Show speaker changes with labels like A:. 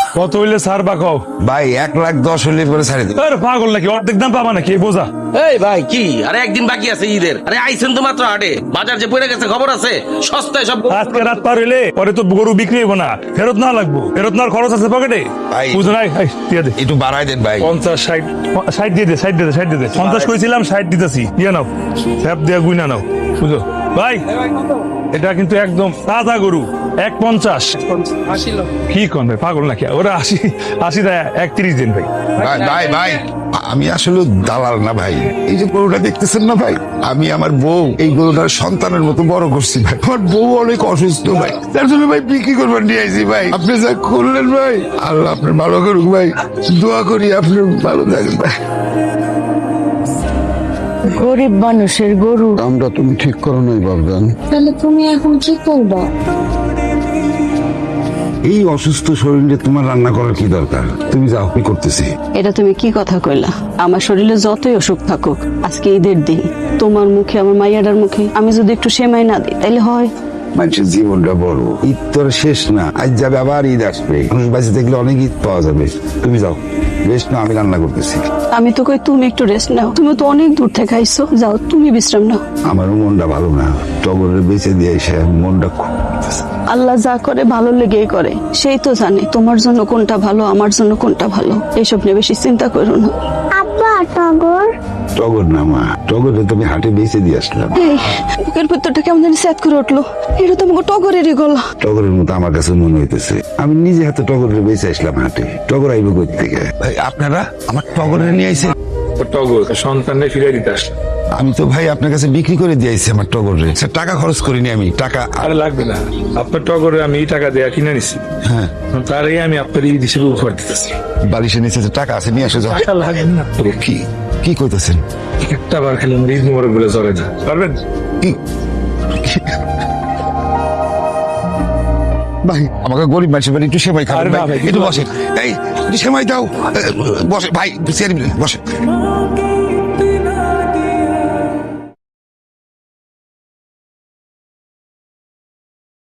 A: কত হইলে ছাড় বা কও?
B: ভাই 1,10,000 হলে পরে ছাড়ে দেব।
A: আরে পাগল নাকি? অর্ধেক দাম পাবা নাকি? এই বোঝা।
C: এই ভাই কি আরে একদিন বাকি আছে ঈদের, আরে আইছেন তো মাত্র হাটে, বাজার যে পড়ে গেছে খবর আছে, সস্তায় সব
A: আজকে রাত পার হইলে পরে তো গরু বিক্রি হইব না, ফেরত না লাগবো, ফেরত নেওয়ার খরচ আছে পকেটে।
B: ভাই।
A: বুঝো নাই? দিয়ে দে
B: একটু বাড়াই দেন ভাই।
A: 50, 60, 60 দিয়ে দে, 60 দিয়ে দে, 60 দিয়ে দে। 50 কইছিলাম, 60 দিতেছি, দিয়ে নাও, স্যাপ দিয়ে গুইনা নাও। বুঝো ভাই, এটা কিন্তু একদম তাজা গরু। 150 কি কোন ভাই, পাগল নাকি? ওরা 80 দেয়, 31 দিন ভাই।
B: ভাই ভাই ভাই আমি আসলে দালাল না ভাই। এই যে গরুটা দেখতেছেন না ভাই, আমি আমার বউ এই গরুটার সন্তানের মতো বড় করছি ভাই। আমার বউ অনেক অসুস্থ ভাই, তার জন্য ভাই বিক্রি করবার নিয়ে আইছি ভাই। আপনি যা করলেন ভাই, আল্লাহ আপনার ভালো করুক ভাই। দোয়া করি আপনি ভালো থাকেন ভাই।
D: গরিব মানুষের গরু।
E: দামটা তুমি ঠিক করো নাই বাবজান।
D: তাহলে তুমি এখন কি করবা?
B: এই অসুস্থ শরীরে তোমার রান্না করার কি দরকার? তুমি যাও, আমি করতেছি।
F: এটা তুমি কি কথা কইলা? আমার শরীরে যতই অসুখ থাকুক, আজকে ঈদের দিন, তোমার মুখে আমার মাইয়াটার মুখে আমি যদি একটু সেমাই না দিই তাইলে হয়?
B: মানুষের জীবনটা বড়, ঈদ তো আর শেষ না, আজ যাবে আবার ঈদ আসবে। মানুষ বাঁচে দেখলে অনেক ঈদ পাওয়া যাবে। তুমি যাও, বেশ না, আমি রান্না করতেছি।
F: আমি তো কই তুমি একটু রেস্ট নাও, তুমি তো অনেক দূর থেকে আইছো, যাও তুমি বিশ্রাম নাও।
B: আমারও মনটা ভালো না, টগরের বেঁচে দিয়ে এসে মনটা খুব
F: আল্লাহ যা করে ভালো লেগেই করে, সেই তো জানে তোমার জন্য কোনটা ভালো, আমার জন্য কোনটা ভালো। এইসব নিয়ে বেশি চিন্তা করো না।
D: আব্বা টগর।
B: টগর না মা, টগরে তুমি হাটে বেঁচে দিয়ে আসলাম।
F: এই বুকের ভিতরটা কেমন জানি স্যাত করে উঠলো, এটা তো আমাকে টগরেরই গলা।
B: টগরের মতো আমার কাছে মনে হইতেছে। আমি নিজে হাতে টগরের বেঁচে আসলাম হাটে। টগর আইব কই থেকে? ভাই আপনারা আমার টগরে নিয়ে আইছেন?
A: টগর সন্তানে ফিরে দিতে আসলাম।
B: আমি তো ভাই আপনার কাছে বিক্রি করে দিয়েছি আমার টগরে। টাকা খরচ করিনি আমি, টাকা।
A: আরে লাগবে না, আপনার টগরে আমি এই টাকা দেয়া কিনে নিছি।
B: হ্যাঁ,
A: তার আগে আমি আপনার ঈদ হিসেবে উপহার দিতেছি।
B: বালিশের নিচে যে টাকা আছে নিয়ে আসো যাও।
A: টাকা লাগবে না তো।
B: কি কি কইতেছেন?
A: একটা বার খেলে আমার ঈদ মোবারক বলে চলে না, পারবেন?
B: কি ভাই, আমাকে গরিব মানুষের বাড়ি একটু সেমাই খাবেন
A: আরে না
B: ভাই,
A: ভাই,
B: একটু বসেন। এই একটু সেমাই দাও। বসে ভাই, চেয়ারে বসে।